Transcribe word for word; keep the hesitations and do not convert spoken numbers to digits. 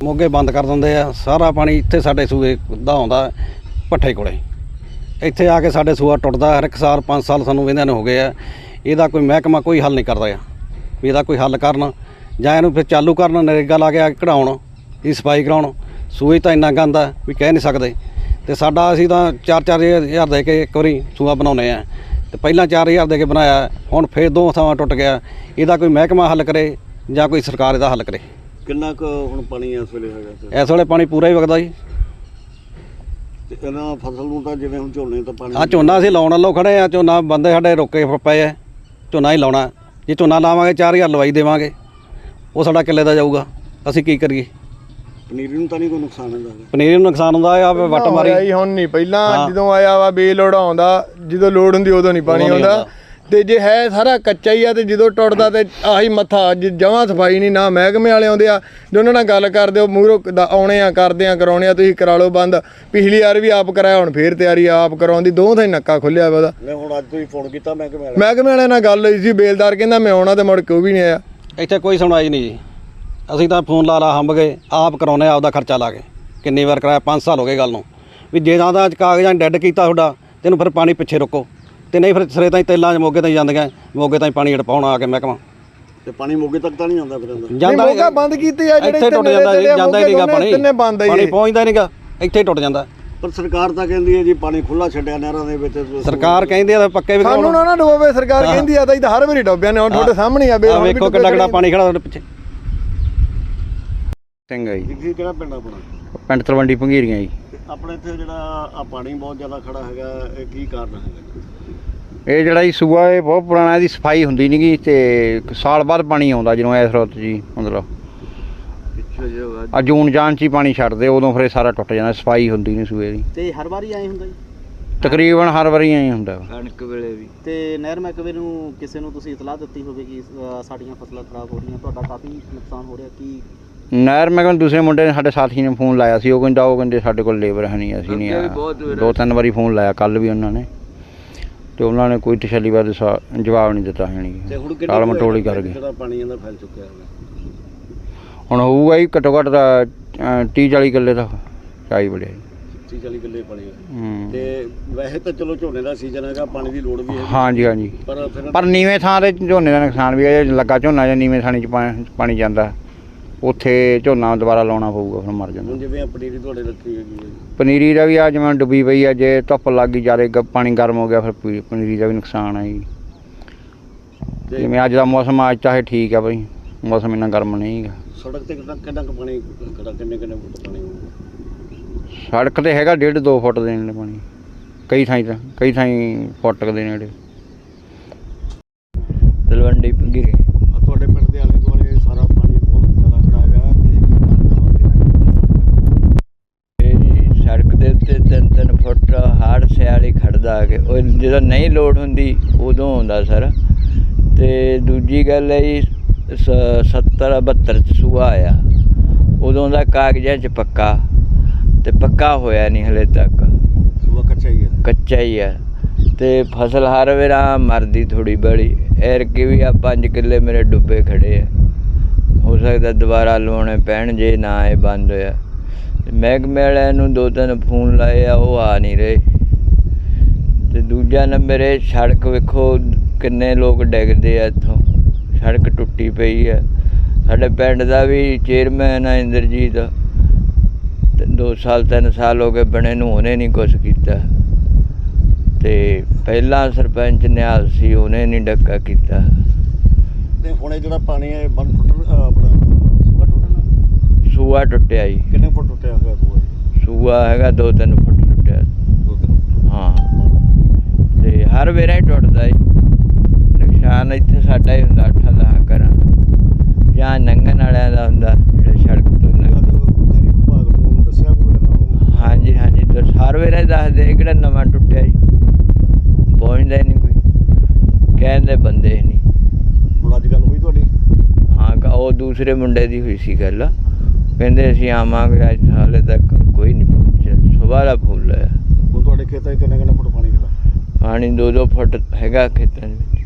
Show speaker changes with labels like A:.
A: ਮੋਗੇ ਬੰਦ ਕਰ ਦਿੰਦੇ ਆ। ਸਾਰਾ ਪਾਣੀ ਇੱਥੇ ਸਾਡੇ ਸੂਏ ਦਾ ਆਉਂਦਾ ਭੱਠੇ ਕੋਲੇ। ਇੱਥੇ ਆ ਕੇ ਸਾਡੇ ਸੂਆ ਟੁੱਟਦਾ ਹਰ ਇੱਕ ਸਾਲ। ਪੰਜ ਸਾਲ ਸਾਨੂੰ ਵਹਿੰਦਿਆਂ ਨੂੰ ਹੋ ਗਏ ਆ। ਇਹਦਾ ਕੋਈ ਮਹਿਕਮਾ ਕੋਈ ਹੱਲ ਨਹੀਂ ਕਰਦਾ ਆ ਵੀ ਇਹਦਾ ਕੋਈ ਹੱਲ ਕਰਨ ਜਾਂ ਇਹਨੂੰ ਫਿਰ ਚਾਲੂ ਕਰਨ। ਨਰੇਗਾ ਲਾ ਕੇ ਕਢਾਉਣ, ਇਹ ਸਫਾਈ ਕਰਾਉਣ। ਸੂਏ ਤਾਂ ਇੰਨਾ ਗੰਦ ਆ ਵੀ ਕਹਿ ਨਹੀਂ ਸਕਦੇ। ਅਤੇ ਸਾਡਾ ਅਸੀਂ ਤਾਂ ਚਾਰ ਚਾਰ ਹਜ਼ਾਰ ਦੇ ਕੇ ਇੱਕ ਵਾਰੀ ਸੂਆ ਬਣਾਉਂਦੇ ਹਾਂ। ਅਤੇ ਪਹਿਲਾਂ ਚਾਰ ਹਜ਼ਾਰ ਦੇ ਕੇ ਬਣਾਇਆ, ਹੁਣ ਫਿਰ ਦੋ ਥਾਵਾਂ ਟੁੱਟ ਗਿਆ। ਇਹਦਾ ਕੋਈ ਮਹਿਕਮਾ ਹੱਲ ਕਰੇ ਜਾਂ ਕੋਈ ਸਰਕਾਰ ਇਹਦਾ ਹੱਲ ਕਰੇ।
B: ਕਿੰਨਾ ਕੁ ਹੁਣ ਪਾਣੀ ਇਸ ਵੇਲੇ ਹੈਗਾ?
A: ਇਸ ਵੇਲੇ ਪਾਣੀ ਪੂਰਾ ਹੀ ਵਗਦਾ ਜੀ।
B: ਤੇ ਇਹਨਾਂ ਫਸਲ ਨੂੰ ਤਾਂ ਜਿਵੇਂ ਹੁਣ ਝੋਨੇ ਤਾਂ ਪਾਣੀ
A: ਆ ਝੋਨਾ ਅਸੀਂ ਲਾਉਣ ਵੱਲੋਂ ਖੜ੍ਹੇ ਆ। ਝੋਨਾ ਬੰਦੇ ਸਾਡੇ ਰੋਕੇ ਪਏ ਆ। ਝੋਨਾ ਹੀ ਲਾਉਣਾ। ਜੇ ਝੋਨਾ ਲਾਵਾਂਗੇ ਚਾਰ ਹਜ਼ਾਰ ਲਵਾਈ ਦੇਵਾਂਗੇ, ਉਹ ਸਾਡਾ ਕਿੱਲੇ ਦਾ ਜਾਊਗਾ। ਅਸੀਂ ਕੀ ਕਰੀਏ?
B: ਪਨੀਰੀ ਨੂੰ ਤਾਂ ਨਹੀਂ ਕੋਈ ਨੁਕਸਾਨ ਹੁੰਦਾ?
A: ਪਨੀਰੀ ਨੂੰ ਨੁਕਸਾਨ ਹੁੰਦਾ ਆ। ਵੱਟ ਮਾਰੀ
C: ਹੁਣ ਨਹੀਂ, ਪਹਿਲਾਂ ਜਦੋਂ ਆਇਆ ਵਾ ਬੇਲੋੜ ਆਉਂਦਾ, ਜਦੋਂ ਲੋੜ ਹੁੰਦੀ ਉਦੋਂ ਨਹੀਂ ਪਾਣੀ ਆਉਂਦਾ। ਤੇ ਜੇ ਹੈ ਸਾਰਾ ਕੱਚਾ ਹੀ ਆ ਤੇ ਜਦੋਂ ਟੁੱਟਦਾ ਤੇ ਆਹੀ ਮੱਥਾ ਜਮਾਂ ਸਫਾਈ ਨਹੀਂ। ਨਾ ਮਹਿਕਮੇ ਵਾਲੇ ਆਉਂਦੇ ਆ, ਜੇ ਉਹਨਾਂ ਨਾਲ ਗੱਲ ਕਰਦੇ ਹੋ ਮੂਹਰੋਂ ਆਉਣੇ ਆ, ਕਰਦੇ ਆ, ਕਰਾਉਣੇ ਆ, ਤੁਸੀਂ ਕਰਾ ਲਓ ਬੰਦ। ਪਿਛਲੀ ਵਾਰ ਵੀ ਆਪ ਕਰਾਇਆ, ਹੁਣ ਫੇਰ ਤਿਆਰੀ ਆਪ ਕਰਾਉਣ ਦੀ। ਦੋ ਥਾਂ ਹੀ ਨੱਕਾ ਖੁੱਲਿਆ ਵਾ ਉਹਦਾ।
B: ਮੈਂ ਹੁਣ ਅੱਜ ਤੁਸੀਂ ਫੋਨ ਕੀਤਾ ਮਹਿਕਮੇ ਵਾਲੇ?
C: ਮਹਿਕਮੇ ਵਾਲਿਆਂ ਨਾਲ ਗੱਲ ਹੋਈ ਸੀ, ਬੇਲਦਾਰ ਕਹਿੰਦਾ ਮੈਂ ਆਉਣਾ, ਤੇ ਮੁੜ ਕੇ ਉਹ ਵੀ ਨਹੀਂ ਆਇਆ।
A: ਇੱਥੇ ਕੋਈ ਸੁਣਵਾਈ ਨਹੀਂ ਜੀ। ਅਸੀਂ ਤਾਂ ਫੋਨ ਲਾ ਲਾ ਹੰਬ ਗਏ, ਆਪ ਕਰਾਉਂਦੇ ਆਪਦਾ ਖਰਚਾ ਲਾ ਕੇ। ਕਿੰਨੀ ਵਾਰ ਕਰਾਇਆ, ਪੰਜ ਸਾਲ ਹੋ ਗਏ ਗੱਲ ਨੂੰ। ਵੀ ਜੇ ਤਾਂ ਤਾਂ ਕਾਗਜ਼ਾਂ ਡੈਡ ਕੀਤਾ ਤੁਹਾਡਾ, ਤੈਨੂੰ ਫਿਰ ਪਾਣੀ ਪਿੱਛੇ ਰੁਕੋ। ਤੇ ਨਹੀਂ ਫਿਰ ਸਿਰੇ ਤਾਈਂ ਤੇਲਾਂ 'ਚ ਮੋਗੇ ਤਾਈਂ ਜਾਂਦੀਆਂ, ਮੋਗੇ ਤਾਈਂ ਪਾਣੀ ਅੜਪਾਉਣਾ ਆ ਕੇ ਮਹਿਕਮਾ।
B: ਤੇ ਪਾਣੀ ਮੋਗੇ ਤੱਕ ਤਾਂ ਨਹੀਂ ਆਉਂਦਾ ਫਿਰ?
A: ਜਾਂਦਾ
C: ਮੋਗਾ ਬੰਦ ਕੀਤੀ ਆ, ਜਿਹੜੇ
A: ਇੱਥੇ ਟੁੱਟ ਜਾਂਦਾ ਜੀ। ਜਾਂਦਾ ਹੀ ਨਹੀਂਗਾ ਪਾਣੀ, ਪਾਣੀ ਪਹੁੰਚਦਾ ਨਹੀਂਗਾ, ਇੱਥੇ ਟੁੱਟ ਜਾਂਦਾ।
B: ਪਰ ਸਰਕਾਰ ਤਾਂ ਕਹਿੰਦੀ ਹੈ ਜੀ ਪਾਣੀ ਖੁੱਲਾ ਛੱਡਿਆ ਨਹਿਰਾਂ ਦੇ ਵਿੱਚ।
A: ਸਰਕਾਰ ਕਹਿੰਦੀ ਆ ਪੱਕੇ ਵੀ
C: ਸਾਨੂੰ ਨਾ ਨਾ ਡੋਬੇ। ਸਰਕਾਰ ਕਹਿੰਦੀ ਆ ਤਾਂ ਇਹ ਤਾਂ ਹਰ ਵਾਰੀ ਡੋਬਿਆ ਨੇ। ਹੁਣ ਤੁਹਾਡੇ ਸਾਹਮਣੇ ਆ,
A: ਵੇਖੋ ਕਿੰਨਾ ਕਿੰਨਾ ਪਾਣੀ ਖੜਾ ਤੁਹਾਡੇ ਪਿੱਛੇ।
D: ਸਿੰਘ ਹੈ ਜੀ।
B: ਕਿਹੜਾ ਪਿੰਡ ਆਪਣਾ?
D: ਪਿੰਡ ਤਲਵੰਡੀ ਭੰਗੀਰੀਆਂ ਜੀ।
B: ਆਪਣੇ ਇੱਥੇ ਜਿਹੜਾ ਆ ਪਾਣੀ ਬਹੁਤ ਜ਼ਿਆਦਾ ਖੜਾ ਹੈਗਾ, ਇਹ ਕੀ ਕਾਰਨ ਹੈਗਾ?
D: ਇਹ ਜਿਹੜਾ ਜੀ ਸੂਆ ਇਹ ਬਹੁਤ ਪੁਰਾਣਾ, ਇਹਦੀ ਸਫਾਈ ਹੁੰਦੀ ਨਹੀਂ ਗੀ। ਅਤੇ ਸਾਲ ਬਾਅਦ ਪਾਣੀ ਆਉਂਦਾ ਜਦੋਂ ਇਸ ਰੁੱਤ ਜੀ, ਮਤਲਬ ਆ ਜੂਨ ਜਾਨ 'ਚ ਹੀ ਪਾਣੀ ਛੱਡਦੇ, ਉਦੋਂ ਫਿਰ ਇਹ ਸਾਰਾ ਟੁੱਟ ਜਾਂਦਾ। ਸਫਾਈ ਹੁੰਦੀ ਨਹੀਂ ਸੂਏ ਦੀ।
B: ਤੇ ਹਰ ਵਾਰੀ ਆਏ ਹੁੰਦਾ ਜੀ?
D: ਤਕਰੀਬਨ ਹਰ ਵਾਰੀ ਐਂ ਹੁੰਦਾ
B: ਕਣਕ ਵੇਲੇ ਵੀ। ਤੇ ਨਹਿਰ ਮਹਿਕਮੇ ਨੂੰ ਕਿਸੇ ਨੂੰ ਤੁਸੀਂ ਇਤਲਾਹ ਦਿੱਤੀ ਹੋਵੇ ਕਿ ਸਾਡੀਆਂ ਫਸਲਾਂ ਖਰਾਬ ਹੋ ਰਹੀਆਂ, ਤੁਹਾਡਾ ਕਾਫੀ ਨੁਕਸਾਨ ਹੋ ਰਿਹਾ? ਕੀ
D: ਨਹਿਰ ਮੈਂ ਕਹਿੰਦਾ ਦੂਸਰੇ ਮੁੰਡੇ ਨੇ, ਸਾਡੇ ਸਾਥੀ ਨੇ ਫੋਨ ਲਾਇਆ ਸੀ। ਉਹ ਕਹਿੰਦਾ ਉਹ ਕਹਿੰਦੇ ਸਾਡੇ ਕੋਲ ਲੇਬਰ ਹੈ ਨਹੀਂ, ਅਸੀਂ ਨਹੀਂ ਆਇਆ। ਦੋ ਤਿੰਨ ਵਾਰੀ ਫੋਨ ਲਾਇਆ, ਕੱਲ੍ਹ ਵੀ ਉਹਨਾਂ ਨੇ, ਅਤੇ ਉਹਨਾਂ ਨੇ ਕੋਈ ਤਸੱਲੀ ਬਾਰੇ ਜਵਾਬ ਨਹੀਂ ਦਿੱਤਾ। ਹੈ ਨਹੀਂ, ਟਾਲ ਮਟੋਲੀ ਕਰ ਗਏ।
B: ਪਾਣੀ ਇਹਦਾ ਫੈਲ ਚੁੱਕਿਆ ਹੈਗਾ
D: ਹੁਣ ਹੋਊਗਾ ਜੀ ਘੱਟੋ ਘੱਟ ਦਾ ਤੀਹ ਚਾਲੀ ਕਿੱਲੇ ਦਾ ਚਾਈ ਬੜਿਆ ਜੀ।
B: ਤੀਹ ਚਾਲੀ ਕਿੱਲੇ ਪਾਣੀ। ਤੇ ਵੈਸੇ ਤਾਂ ਚਲੋ ਝੋਨੇ ਦਾ ਸੀਜ਼ਨ ਹੈਗਾ, ਪਾਣੀ ਦੀ ਲੋੜ ਵੀ ਹੈ।
D: ਹਾਂਜੀ ਹਾਂਜੀ।
B: ਪਰ ਫਿਰ
D: ਪਰ ਨੀਵੇਂ ਥਾਂ 'ਤੇ ਝੋਨੇ ਦਾ ਨੁਕਸਾਨ ਵੀ ਹੈ। ਲੱਗਾ ਝੋਨਾ ਜਾਂ ਨੀਵੇਂ ਥਾਣੀ 'ਚ ਪਾਣੀ ਜਾਂਦਾ, ਉੱਥੇ ਝੋਨਾ ਦੁਬਾਰਾ ਲਾਉਣਾ ਪਊਗਾ, ਫਿਰ ਮਰ ਜਾਂਦਾ।
B: ਜਿਵੇਂ ਪਨੀਰੀ ਤੁਹਾਡੇ ਰੱਖੀ ਹੈਗੀ ਹੈ,
D: ਪਨੀਰੀ ਦਾ ਵੀ ਆ ਜਿਵੇਂ ਡੁੱਬੀ ਪਈ ਆ। ਜੇ ਧੁੱਪ ਲੱਗ ਗਈ ਜ਼ਿਆਦਾ, ਪਾਣੀ ਗਰਮ ਹੋ ਗਿਆ, ਫਿਰ ਪਨੀਰੀ ਦਾ ਵੀ ਨੁਕਸਾਨ ਹੈ ਜੀ। ਜਿਵੇਂ ਅੱਜ ਦਾ ਮੌਸਮ, ਅੱਜ ਚਾਹੇ ਠੀਕ ਆ ਬਈ, ਮੌਸਮ ਇੰਨਾ ਗਰਮ ਨਹੀਂ ਹੈਗਾ।
B: ਸੜਕ 'ਤੇ ਕਿੰਨਾ ਕਿੰਨਾ ਕੁ ਪਾਣੀ ਖੜਾ, ਕਿੰਨੇ ਕਿੰਨੇ ਫੁੱਟ ਪਾਣੀ ਹੋਊਗਾ?
D: ਸੜਕ 'ਤੇ ਹੈਗਾ ਡੇਢ ਦੋ ਫੁੱਟ ਦੇ ਨੇੜੇ ਪਾਣੀ, ਕਈ ਥਾਈਂ ਤਾਂ ਕਈ ਥਾਈਂ ਫੁੱਟ ਦੇ ਨੇੜੇ। ਤਲਵੰਡੀ ਭੰਗੀਰੇ
B: ਤੁਹਾਡੇ ਪਿੰਡ ਦੇ ਆਲੇ ਦੁਆਲੇ ਸਾਰਾ ਪਾਣੀ ਬਹੁਤ ਜ਼ਿਆਦਾ ਖੜਾ ਹੈਗਾ।
E: ਤੇ ਇਹ ਜੀ ਸੜਕ ਦੇ ਉੱਤੇ ਤਿੰਨ ਤਿੰਨ ਫੁੱਟ ਹਰ ਸਿਆਲੀ ਖੜਦਾ ਆ ਕੇ। ਉਹ ਜਦੋਂ ਨਹੀਂ ਲੋੜ ਹੁੰਦੀ ਉਦੋਂ ਆਉਂਦਾ ਸਰ। ਅਤੇ ਦੂਜੀ ਗੱਲ ਹੈ ਜੀ, ਸ ਸੱਤਰ ਬਹੱਤਰ 'ਚ ਸੂਆ ਆਇਆ, ਉਦੋਂ ਦਾ ਕਾਗਜ਼ਾਂ 'ਚ ਪੱਕਾ, ਅਤੇ ਪੱਕਾ ਹੋਇਆ ਨਹੀਂ ਹਲੇ ਤੱਕ।
B: ਸੂਆ ਕੱਚਾ ਹੀ ਹੈ? ਕੱਚਾ
E: ਹੀ ਹੈ। ਅਤੇ ਫਸਲ ਹਰ ਵੇਰਾ ਮਰਦੀ ਥੋੜ੍ਹੀ ਬੜੀ। ਐਰਕੀ ਵੀ ਆ ਪੰਜ ਕਿੱਲੇ ਮੇਰੇ ਡੁੱਬੇ ਖੜ੍ਹੇ ਆ। ਹੋ ਸਕਦਾ ਦੁਬਾਰਾ ਲਵਾਉਣੇ ਪੈਣ ਜੇ ਨਾ ਇਹ ਬੰਦ ਹੋਇਆ। ਮਹਿਕਮੇ ਵਾਲਿਆਂ ਨੂੰ ਦੋ ਤਿੰਨ ਫੋਨ ਲਾਏ ਆ, ਉਹ ਆ ਨਹੀਂ ਰਹੇ। ਅਤੇ ਦੂਜਾ ਨੰਬਰ ਇਹ ਸੜਕ ਵੇਖੋ ਕਿੰਨੇ ਲੋਕ ਡਿੱਗਦੇ ਆ ਇੱਥੋਂ। ਸੜਕ ਟੁੱਟੀ ਪਈ ਹੈ। ਸਾਡੇ ਪਿੰਡ ਦਾ ਵੀ ਚੇਅਰਮੈਨ ਆ ਇੰਦਰਜੀਤ, ਦੋ ਸਾਲ ਤਿੰਨ ਸਾਲ ਹੋ ਗਏ ਬਣੇ ਨੂੰ, ਉਹਨੇ ਨਹੀਂ ਕੁਛ ਕੀਤਾ। ਅਤੇ ਪਹਿਲਾਂ ਸਰਪੰਚ ਨਿਹਾਲ ਸੀ, ਉਹਨੇ ਨਹੀਂ ਡੱਕਾ ਕੀਤਾ।
B: ਅਤੇ ਹੁਣ ਇਹ ਜਿਹੜਾ ਪਾਣੀ ਹੈ ਬੰਦ ਟੁੱਟ ਆਪਣਾ ਸੂਆ ਟੁੱਟਣਾ?
E: ਸੂਆ ਟੁੱਟਿਆ ਜੀ।
B: ਕਿੰਨੇ ਫੁੱਟ ਟੁੱਟਿਆ ਹੋਇਆ ਸੂਆ?
E: ਸੂਆ ਹੈਗਾ ਦੋ ਤਿੰਨ ਫੁੱਟ ਟੁੱਟਿਆ।
B: ਦੋ ਤਿੰਨ ਫੁੱਟ?
E: ਹਾਂ। ਅਤੇ ਹਰ ਵੇਰਾ ਹੀ ਟੁੱਟਦਾ ਜੀ। ਨੁਕਸਾਨ ਇੱਥੇ ਸਾਡਾ ਹੀ ਹੁੰਦਾ, ਅੱਠਾਂ ਦਸਾਂ ਘਰਾਂ ਦਾ ਜਾਂ ਲੰਘਣ ਵਾਲਿਆਂ ਦਾ ਹੁੰਦਾ, ਜਿਹੜੇ ਸੜਕ ਤੋਂ ਲੰਘ।
B: ਵਿਭਾਗ ਨੂੰ ਦੱਸਿਆ ਕੋਈ ਇਹਨਾਂ ਨੂੰ?
E: ਹਾਂਜੀ ਹਾਂਜੀ, ਦੱਸ ਹਰ ਵੇਰਾ ਹੀ ਦੱਸਦੇ। ਕਿਹੜਾ ਨਵਾਂ ਟੁੱਟਿਆ ਜੀ, ਪਹੁੰਚਦਾ ਹੀ ਨਹੀਂ ਕੋਈ, ਕਹਿੰਦੇ ਬੰਦੇ ਨਹੀਂ।
B: ਹੁਣ ਅੱਜ ਗੱਲ ਹੋਈ ਤੁਹਾਡੀ?
E: ਹਾਂ, ਉਹ ਦੂਸਰੇ ਮੁੰਡੇ ਦੀ ਹੋਈ ਸੀ ਗੱਲ। ਕਹਿੰਦੇ ਅਸੀਂ ਆਵਾਂਗੇ, ਅੱਜ ਹਾਲੇ ਤੱਕ ਕੋਈ ਨਹੀਂ ਪਹੁੰਚਿਆ। ਸੁਬਾਹ ਦਾ ਫੁੱਲ ਹੈ।
B: ਹੁਣ ਤੁਹਾਡੇ ਖੇਤਾਂ 'ਚ ਕਿੰਨੇ ਕਿੰਨੇ ਫੁੱਟ ਪਾਣੀ ਖੜਾ?
E: ਪਾਣੀ ਦੋ ਦੋ ਫੁੱਟ ਹੈਗਾ ਖੇਤਾਂ ਦੇ ਵਿੱਚ।